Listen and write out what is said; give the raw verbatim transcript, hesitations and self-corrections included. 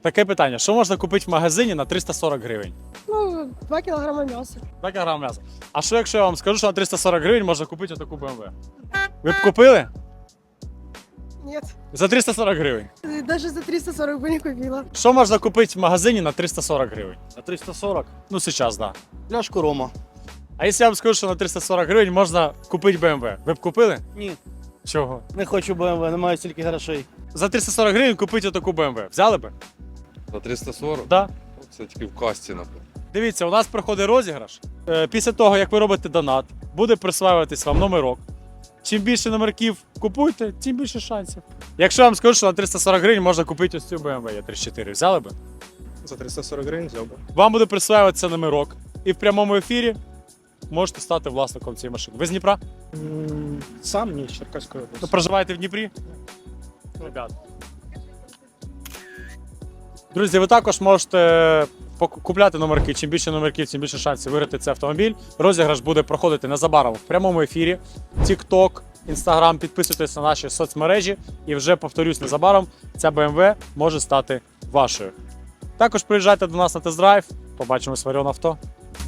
Таке питання. Що можна купити в магазині на триста сорок гривень? Ну, два кілограми м'яса. два кілограми м'яса. А що якщо я вам скажу, що на триста сорок гривень можна купити отаку бе ем ве? Ви б купили? Нет. За триста сорок гривень. Даже за триста сорок бы не купила. Що можна купити в магазині на триста сорок гривень? На триста сорок. Ну, зараз, так. Да. Пляшку рома. А якщо я вам скажу, що на триста сорок гривень можна купити бе ем ве, ви б купили? Ні, Чого? не хочу бе ем ве, немає стільки грошей. За триста сорок гривень купити отаку бе ем ве. Взяли б? За триста сорок? Да. Це тільки в касті, напевно. Дивіться, у нас проходить розіграш. Е, Після того, як ви робите донат, буде присваюватись вам номерок. Чим більше номерків купуєте, тим більше шансів. Якщо я вам скажу, що на триста сорок гривень можна купити ось цю бе ем ве е тридцять чотири, взяли б? За триста сорок гривень взяв би. Вам буде присваюватися номерок. І в прямому ефірі можете стати власником цієї машини. Ви з Дніпра? М, Сам ні, з Черкаської Ви області. проживаєте в Дніпрі? Ребят. Друзі, ви також можете пок- купляти номерки. Чим більше номерків, тим більше шансів виграти цей автомобіль. Розіграш буде проходити незабаром в прямому ефірі. TikTok, Instagram, підписуйтесь на наші соцмережі. І вже, повторюсь, незабаром ця бе ем ве може стати вашою. Також приїжджайте до нас на тест-драйв. Побачимось в Оріон Авто.